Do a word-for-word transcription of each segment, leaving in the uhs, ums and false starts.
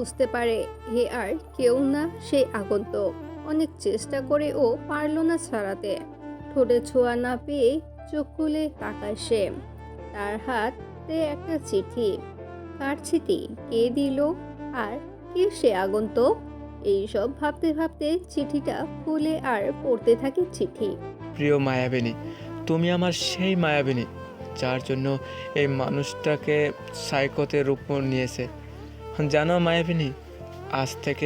বুঝতে পারে এ আর কেউ না, সেই আগন্তুক। অনেক চেষ্টা করে ও পারল না ছাড়াতে। ঠোঁটে ছোঁয়া না পেয়ে চোখ খুলে তাকায় সে। তার হাতে একটা চিঠি। কার চিঠি, কে দিল, আর কে সে আগন্তুক? এইসব ভাবতে ভাবতে চিঠিটা খুলে আর পড়তে থাকে চিঠি। প্রিয় মায়াবিনী, তুমি আমার সেই মায়াবিনী যার জন্য এই মানুষটাকে সাইকোতে রূপ নিয়েছে। জানো মায়াবিনী, আজ থেকে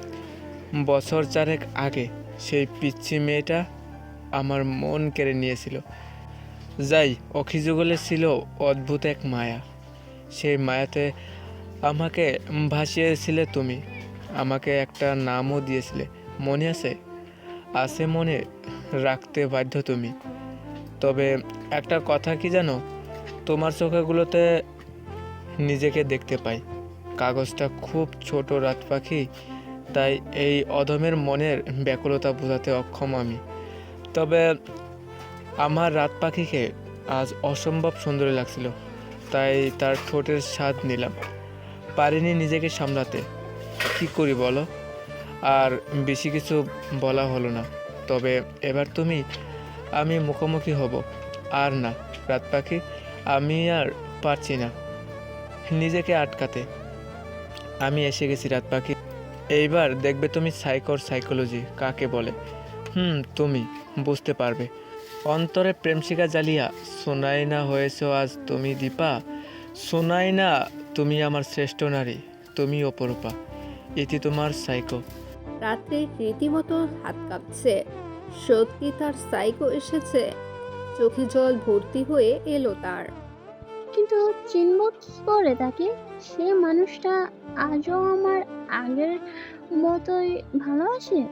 বছর চারেক আগে সেই পিচ্ছি মেয়েটা আমার মন কেড়ে নিয়েছিল। যাই অখিযুগলে ছিল অদ্ভুত এক মায়া। সেই মায়াতে আমাকে ভাসিয়েছিলে তুমি, আমাকে একটা নামও দিয়েছিলে, মনে আছে? আছে, মনে রাখতে বাধ্য তুমি। তবে একটা কথা কি জানো, তোমার চোখেগুলোতে নিজেকে দেখতে পাই। কাগজটা খুব ছোট রাত পাখি, তাই এই অধমের মনের ব্যাকুলতা বোঝাতে অক্ষম আমি। তবে আমার রাত পাখিকে আজ অসম্ভব সুন্দরী লাগছিল, তাই তার ঠোঁটের স্বাদ নিলাম। পারিনি নিজেকে সামলাতে। কি করি বলো? আর বেশি কিছু বলা হলো না। তবে এবার তুমি আমি মুখোমুখি হব। আর না রাত পাখি, আমি আর পারছি না নিজেকে আটকাতে। আমি এসে গেছি রাত পাখি। এইবার দেখবে তুমি সাইকোর সাইকোলজি কাকে বলে। হুম, তুমি বুঝতে পারবে। অন্তরে প্রেমশিকা জ্বালিয়া শোনাই না হয়েছ আজ তুমি দীপা। শোনাই না তুমি আমার শ্রেষ্ঠ নারী, তুমি অপরূপা। এটি তোমার সাইকো। রাত্রে রীতিমতো হাত কাঁপছে। সত্যি তার সাইকো এসেছে। চোখে জল ভর্তি হয়ে এলো তার। কিন্তু চিনব কি করে তাকে? সে মানুষটা আজও আমার আগের মতোই ভালোবাসে।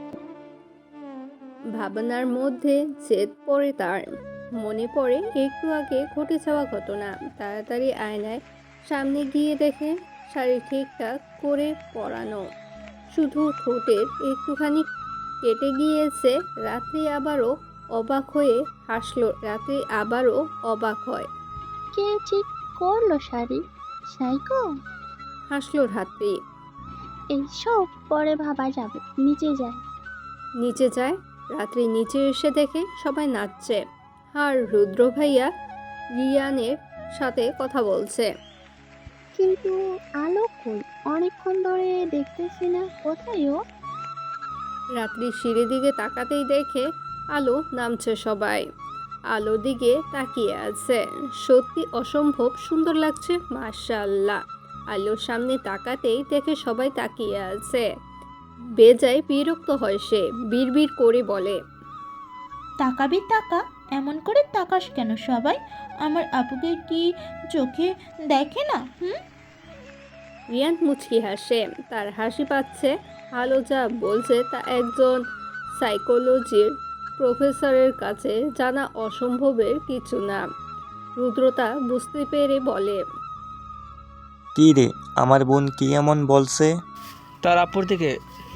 ভাবনার মধ্যে জেদ পড়ে তার। মনে পড়ে একটু আগে ঘটে যাওয়া ঘটনা। তাড়াতাড়ি আয়নায় সামনে গিয়ে দেখে শাড়ি ঠিকঠাক করে পরানো, শুধু ঠোঁটের একটুখানি কেটে গিয়েছে। রাত্রি আবারও অবাক হয়ে হাসলো। রাত্রি আবারও অবাক হয়, কে ঠিক করলো শাড়ি? সাইকো? হাসলো রাত্রি। এইসব পরে ভাবা যাবে, নিচে যাই। নিচে যায়। রাত্রি নিচে এসে দেখে সবাই নাচছে। আর রুদ্র ভাইয়া রিয়ানের সাথে কথা বলছে। কিন্তু আলো কই? অনেকক্ষণ ধরে দেখতেছি না, কোথায় ও? রাত্রি সিঁড়ি দিকে তাকাতেই দেখে আলো নামছে। সবাই আলোর দিকে তাকিয়ে আছে। সত্যি অসম্ভব সুন্দর লাগছে, মাশাআল্লাহ। আলোর সামনে তাকাতেই দেখে সবাই তাকিয়ে আছে। বেজায় বিরক্ত হয় সে, বিড়বিড় করে বলে, তাকাবি তাকা, এমন করে তাকাস কেন সবাই? আমার আপুকে কি চোখে দেখে না? হুম। রিয়ান মুচকি হাসে। তার হাসি পাচ্ছে। আলো যা বলছে তা একজন সাইকোলজির প্রফেসরের কাছে জানা অসম্ভবের কিছু না। রুদ্রতা বুঝতে পেরে বলে, কি রে, আমার বোন কি এমন বলছে? তার আপুর দিকে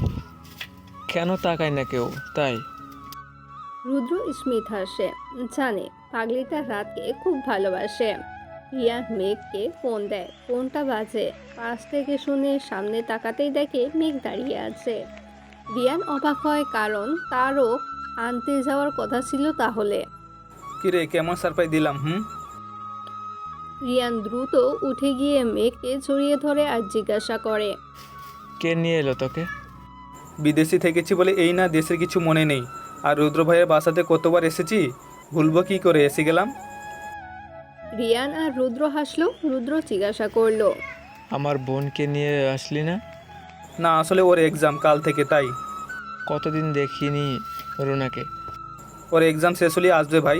কেন তাকায় না কেউ, তাই? রুদ্র স্মিথ হাসে। জানে পাগলিটা রাতকে খুব ভালোবাসে। রিয়ান মেঘকে ফোন দেয়। ফোনটা বাজে। পাশ থেকে শুনে সামনে তাকাতেই দেখে মেঘ দাঁড়িয়ে আছে। রিয়ান অবাক হয়, কারণ তারও আনতে যাওয়ার কথা ছিল তাহলে। কিরে, কেমন সারপ্রাইজ দিলাম? হুম। রিয়ান দ্রুত উঠে গিয়ে মেঘকে জড়িয়ে ধরে আর জিজ্ঞাসা করে, কে নিয়ে এলো তোকে? বিদেশি থেকেছি বলে এই না, দেশের কিছু মনে নেই। আর রুদ্র ভাইয়ের বাসাতে কতবার এসেছি, ভুলবো কি করে? এসে গেলাম। রিয়ান আর রুদ্র হাসলো। রুদ্র জিজ্ঞাসা করলো, আমার বোনকে নিয়ে আসলি না? না, আসলে ওর এক্সাম কাল থেকে, তাই। কতদিন দেখিনি রুনাকে। ওর এক্সাম শেষ হলে আসবে ভাই।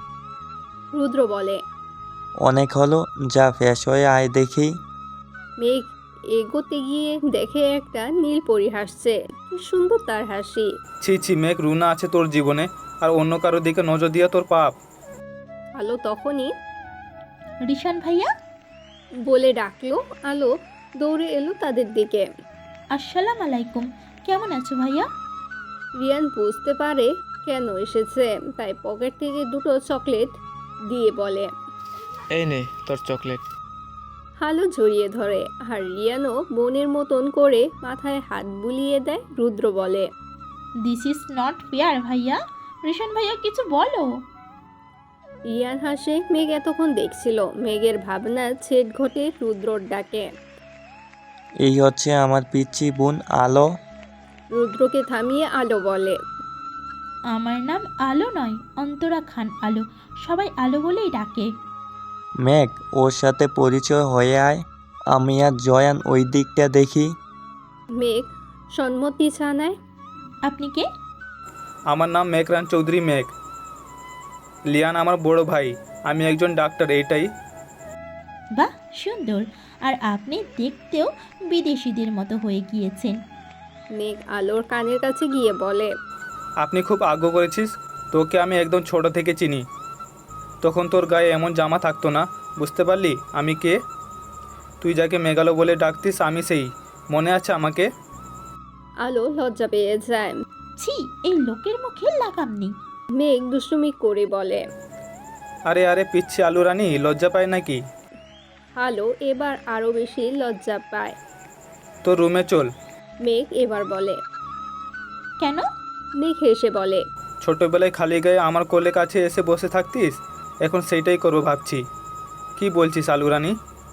রুদ্র বলে। অনেক হলো, যা ফ্রেশ হয়ে আয় দেখি। মেঘ এগোতে গিয়ে দেখে একটা নীল পরি হাসছে। কি সুন্দর তার হাসি। ছি ছি মেঘ, রুনা আছে তোর জীবনে, আর অন্য কারোর দিকে নজর দিয়া তোর পাপ। আলো তখনই রিশান ভাইয়া, বলে ডাকলো। আলো দৌড়ে এলো তাদের দিকে। আসসালাম আলাইকুম, কেমন আছো ভাইয়া? রিয়ান বুঝতে পারে কেন এসেছে, তাই পকেট থেকে দুটো চকলেট দিয়ে বলে, এই নে তোর চকলেট। আলো জড়িয়ে ধরে আর রিয়ানও বোনের মতন করে মাথায় হাত বুলিয়ে দেয়। রুদ্র বলে, দিস ইজ নট ফেয়ার ভাইয়া। রিশান ভাইয়া কিছু বলো। রিয়ান হাসে। মেঘ এতক্ষণ দেখছিল। মেঘের ভাবনা ছেদ ঘটে রুদ্রর ডাকে। এই হচ্ছে আমার পিচ্ছি বোন আলো। রুদ্রকে থামিয়ে আলো বলে, আমার নাম আলো নয়, অন্তরা খান আলো। সবাই আলো বলেই ডাকে। মেঘ, ওর সাথে পরিচয় হয়ে আয়। আমি আর জয়ান ওই দিকটা দেখি। মেঘ সম্মতি জানায়। আপনি কে? আমার নাম মেঘরান চৌধুরী মেঘ। লিয়ান আমার বড় ভাই। আমি একজন ডাক্তার, এইটাই। বাহ, সুন্দর। আর আপনি দেখতেও বিদেশিদের মতো হয়ে গিয়েছেন। মেঘ আলোর কানের কাছে গিয়ে বলে, আপনি খুব আগ্রহ করেছিস। তোকে আমি একদম ছোট থেকে চিনি। তখন তোর গায়ে এমন জামা থাকতো না। বুঝতে পারলি আমি কে? তুই যাকে মেঘালো বলে ডাকতিস, আমি সেই। মনে আছে আমাকে? আলো লজ্জা পেয়ে যায়। ছি, এই লোকের মুখে লাগাম নেই। মেঘ দুষ্টুমি করে বলে, আরে আরে পিচ্ছি আলু রানী, লজ্জা পায় নাকি? আলো এবার আরো বেশি লজ্জা পায়। তোর রুমে চল। মেঘ এবার বলে। কেন? মেঘ হেসে বলে, ছোটোবেলায় খালি গায়ে আমার কোলে কাছে এসে বসে থাকতিস, এখন সেইটাই করবো ভাবছি। কি বলছিস আলু রানী?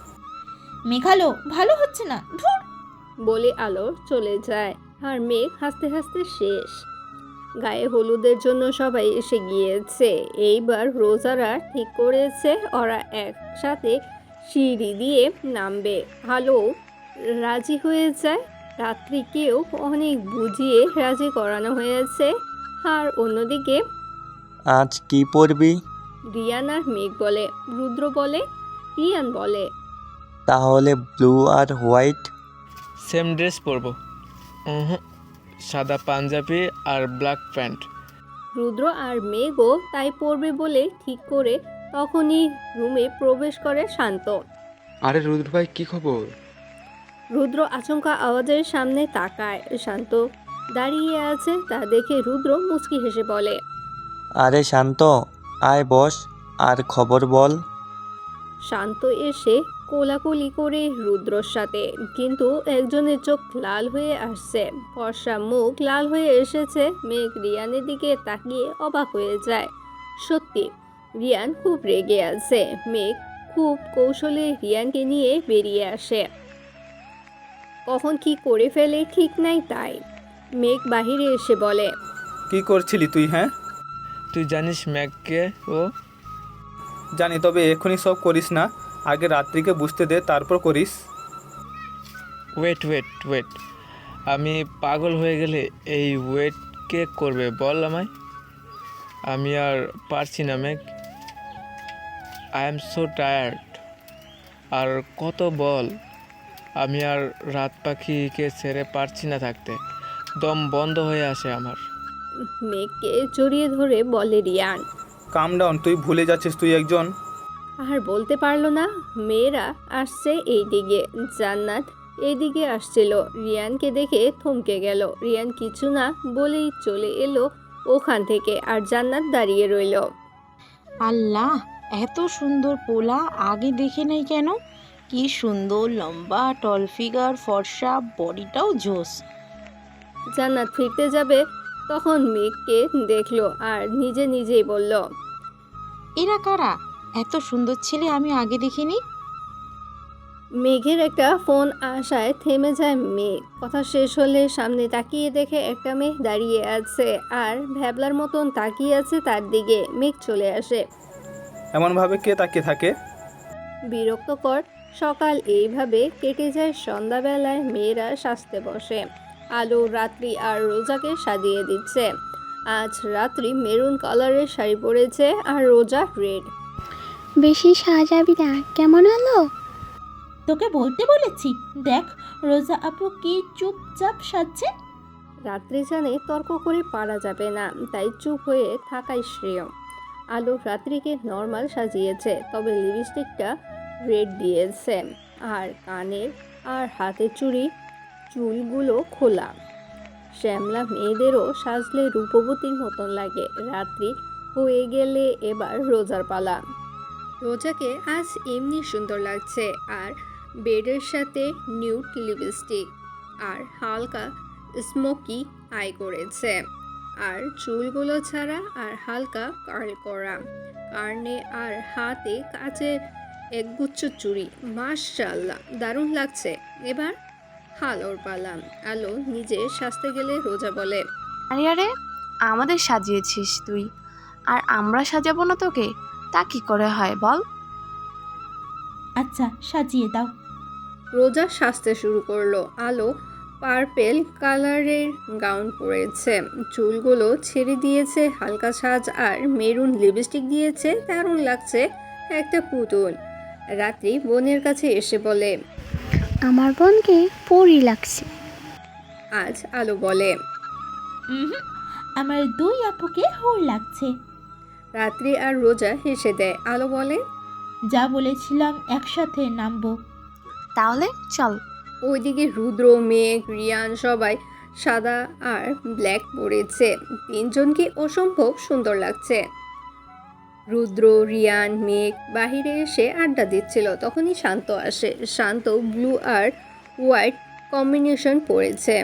মেঘালো ভালো হচ্ছে না, ধুর। বলে আলো চলে যায়। আর মেঘ হাসতে হাসতে শেষ। গায়ে হলুদের জন্য সবাই এসে গিয়েছে। এইবার রোজারা ঠিক করেছে ওরা একসাথে সিঁড়ি দিয়ে নামবে। আলো রাজি হয়ে যায়। রাত্রিকেও অনেক বুঝিয়ে রাজি করানো হয়েছে। আর অন্যদিকে আজ কি পরবি? রিয়ান আর মেঘ বলে। রুদ্র বলে, রিয়ান বলে, তাহলে ব্লু আর হোয়াইট। সেম ড্রেস পরবো। উহুম, সাদা পাঞ্জাবি আর ব্ল্যাক প্যান্ট। রুদ্র আর মেঘও তাই পড়বে বলে ঠিক করে তখনই রুমে প্রবেশ করে শান্ত। আরে রুদ্র ভাই, কি খবর? রুদ্র আচমকা আওয়াজের সামনে তাকায়। শান্ত দাঁড়িয়ে আছে। তা দেখে রুদ্র মুচকি হেসে বলে, আরে শান্ত, আয় বস, আর খবর বল। শান্ত এসে কোলাকুলি করে রুদ্রর সাথে। কিন্তু একজনের চোখ লাল হয়ে আসছে, ফর্সা মুখ লাল হয়ে এসেছে। মেঘ রিয়ানের দিকে তাকিয়ে অবাক হয়ে যায়। সত্যি রিয়ান খুব রেগে আছে। মেঘ খুব কৌশলে রিয়ানকে নিয়ে বেরিয়ে আসে। কখন কি করে ফেলে ঠিক নাই তাই। মেঘ বাহিরে এসে বলে, কি করছিলি তুই? হ্যাঁ তুই জানিস ম্যাককে? ও জানি, তবে এখনই সব করিস না। আগে রাত্রিকে বুঝতে দে, তারপর করিস। ওয়েট ওয়েট ওয়েট আমি পাগল হয়ে গেলে এই ওয়েট কে করবে বল আমায়? আমি আর পারছি না Megh. I am so tired. আর কত বল, আমি আর রাত পাখিকে ছেড়ে পারছি না থাকতে। দম বন্ধ হয়ে আসে আমার। মেঘকে জড়িয়ে ধরে বলে রিয়ান। কাম ডাউন, তুই ভুলে যাচ্ছিস তুই একজন। আর বলতে পারলো না। মেয়েরা আসছে এই দিকে। জান্নাত এইদিকে আসছিল। রিয়ানকে দেখে থমকে গেল। রিয়ান কিছু না বলেই চলে এলো ওখান থেকে। আর জান্নাত দাঁড়িয়ে রইল। আল্লাহ, এত সুন্দর পোলা আগে দেখে নাই কেন? কি সুন্দর লম্বা, টল ফিগার, ফর্সা, বডিটাও জোস। জান্নাত ফিরতে যাবে তখন মেঘকে দেখলো আর নিজে নিজেই বলল, এরা কারা? এত সুন্দর ছেলে আমি আগে দেখিনি। মেঘের একটা ফোন আসায় থেমে যায় মেঘ। কথা শেষ হলে সামনে তাকিয়ে দেখে একটা মেয়ে দাঁড়িয়ে আছে আর ভ্যাবলার মতন তাকিয়ে আছে তার দিকে। মেঘ চলে আসে। এমনভাবে কে তাকিয়ে থাকে? বিরক্তকর সকাল এইভাবে কেটে যায়। সন্ধ্যাবেলায় মেয়েরা সাজতে বসে। আলো রাত্রি আর রোজাকে সাজিয়ে দিচ্ছে। আজ রাত্রি মেরুন কালারের শাড়ি পরেছে আর রোজা রেড। বেশি সাজাবি না, কেমন আলো? তোকে বলতে বলেছি, দেখ রোজা আপু কি চুপচাপ সাজছে। রাত্রি জানে তর্ক করে পারা যাবে না, তাই চুপ হয়ে থাকাই শ্রেয়। আলো রাত্রিকে নর্মাল সাজিয়েছে, তবে লিপস্টিকটা রেড দিয়েছে। আর কানের আর হাতের চুড়ি চুলগুলো খোলা। শ্যামলা মেয়েদেরও সাজলে রূপবতীর মতন লাগে। রাত্রি হয়ে গেলে এবার রোজার পালা। রোজাকে আজ এমনি সুন্দর লাগছে। আর বেডের সাথে নিউড লিপস্টিক আর হালকা স্মোকি আই করেছে, আর চুলগুলো ছাড়া আর হালকা কার্ল করা, কার্নে আর হাতে কাচের একগুচ্ছ চুড়ি। মাশাআল্লাহ, দারুণ লাগছে। এবার আলোর পালা। আলো নিজে সাজতে গেলে রোজা বলে, আরে আরে আমাদের সাজিয়েছিস তুই, আর আমরা সাজাবো না তোকে? তা কি করে হয় বল? আচ্ছা সাজিয়ে দাও। রোজা সাজতে শুরু করলো। আলো পার্পেল কালারের গাউন পরেছে, চুলগুলো ছেড়ে দিয়েছে, হালকা সাজ আর মেরুন লিপস্টিক দিয়েছে, দারুণ লাগছে, একটা পুতুল। রাত্রি বোনের কাছে এসে বলে, আমার বোনকে পরি লাগছে। আজ আলো বলে, উহুম, আমার দুই আপুকে হোর লাগছে। রাত্রি আর রোজা হেসে দেয়। আলো বলে, যা বলেছিলাম একসাথে নামবো। তাহলে চল। ওইদিকে রুদ্র, মেঘ, রিয়ান সবাই সাদা আর ব্ল্যাক পরেছে, তিনজনকে অসম্ভব সুন্দর লাগছে। রুদ্র, রিয়ান, মেঘ বাহিরে এসে আড্ডা দিচ্ছিল, তখনই শান্ত আসে। শান্ত ব্লু আর হোয়াইট কম্বিনেশন পরেছে।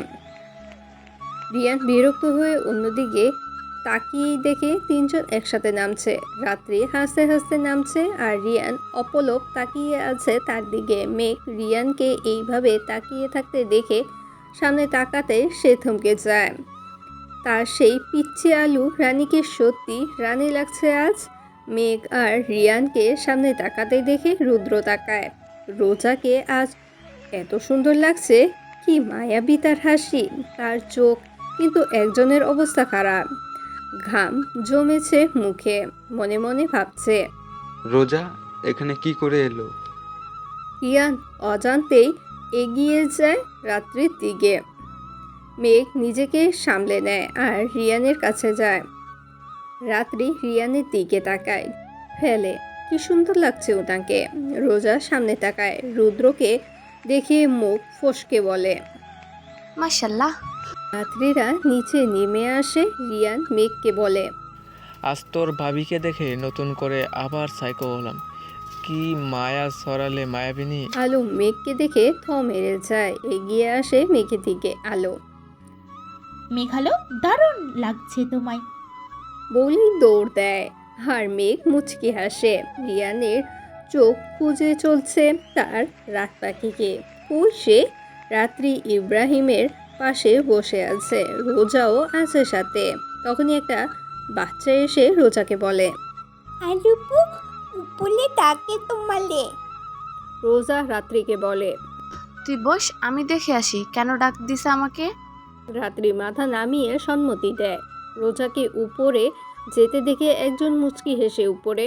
রিয়ান বিরক্ত হয়ে অন্যদিকে তাকিয়েই দেখে তিনজন একসাথে নামছে। রাত্রি হাসতে হাসতে নামছে আর রিয়ান অপলক তাকিয়ে আছে তার দিকে। মেঘ রিয়ানকে এইভাবে তাকিয়ে থাকতে দেখে সামনে তাকাতে সে থমকে যায়। তার সেই পিচ্ছি আলু রানীকে সত্যি রানী লাগছে আজ। মেঘ আর রিয়ানকে সামনে তাকাতে দেখে রুদ্র তাকায়। রোজাকে আজ এত সুন্দর লাগছে, কি মায়াবী তার হাসি, তার চোখ। কিন্তু একজনের অবস্থা খারাপ, ঘাম জমেছে মুখে, মনে মনে ভাবছে। রোজা এখানে কি করে এলো? রিয়ান অজান্তেই এগিয়ে যায় রাত্রির দিকে। মেঘ নিজেকে সামলে নেয় আর রিয়ানের কাছে যায়। রাত্রি রিয়ানের দিকে তাকায়, ফেলে, কি সুন্দর লাগছে ওটাকে। রোজা সামনে তাকায়, রুদ্রকে দেখে মুখ ফসকে বলে। মাশাল্লাহ। রাত্রিরা নিচে নেমে আসে। রিয়ান মেঘকে বলে, আজ তোর ভাবিকে দেখে নতুন করে আবার সাইকো হলাম। কি মায়া সরালে মায়াবিনী। আলো মেঘকে দেখে থ মেরে যায়, এগিয়ে আসে মেঘের দিকে। আলো মেঘালো, দারুণ লাগছে তোমায়। বলেই দৌড় দেয়, আর মেঘ মুচকি হাসে। রিয়ানের চোখ খুঁজে চলছে তার রাত পাখিকে। কই সে? রাত্রি ইব্রাহিমের পাশে বসে আছে, রোজাও আছে সাথে। তখনই একটা বাচ্চা এসে রোজাকে বলে, আলুপু উপলে তাকে তোমালে। রোজা রাত্রিকে বলে, তুই বস, আমি দেখে আসি কেন ডাক দিছে আমাকে। রাত্রি মাথা নামিয়ে সম্মতি দেয়। রোজাকে উপরে যেতে দেখে একজন মুচকি হেসে উপরে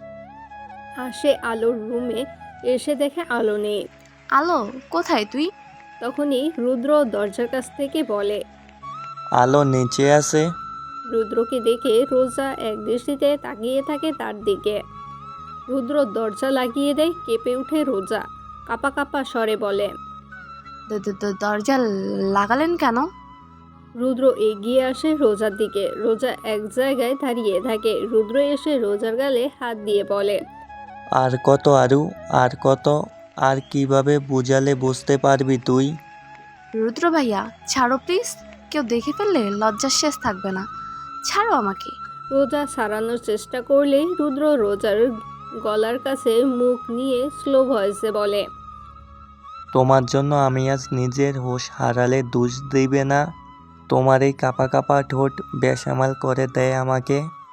আসে আলোর রুমে। এসে দেখে আলো নেই। আলো কোথায় তুই? তখনই রুদ্র দরজার কাছ থেকে বলে, আলো নিচে আছে। রুদ্রকে দেখে রোজা এক দৃষ্টিতে তাকিয়ে থাকে তার দিকে। রুদ্র দরজা লাগিয়ে দেয়। কেঁপে উঠে রোজা, কাপা কাপা স্বরে বলে, দ- দ- দ- দরজা লাগালেন কেন? রুদ্র এগিয়ে আসে রোজার দিকে। রোজা এক জায়গায় দাঁড়িয়ে থাকে। রুদ্র এসে রোজার গালে হাত দিয়ে বলে, আর কত আরু, আর কত, আর কিভাবে বুঝালে বুঝতে পারবি তুই? রুদ্র ভাইয়া ছাড়ো প্লিজ, কেউ দেখে ফেললে লজ্জার শেষ থাকবে না, ছাড়ো আমাকে। রোজা সারানোর চেষ্টা করলেই রুদ্র রোজার গলার কাছে মুখ নিয়ে স্লো ভয়েসে বলে, তোমার জন্য আমি আজ নিজের হোশ হারালে দোষ দিবে না? তোমার এই কাপা কাপা ঠোঁট বেসামাল করে দেয় আমাকে।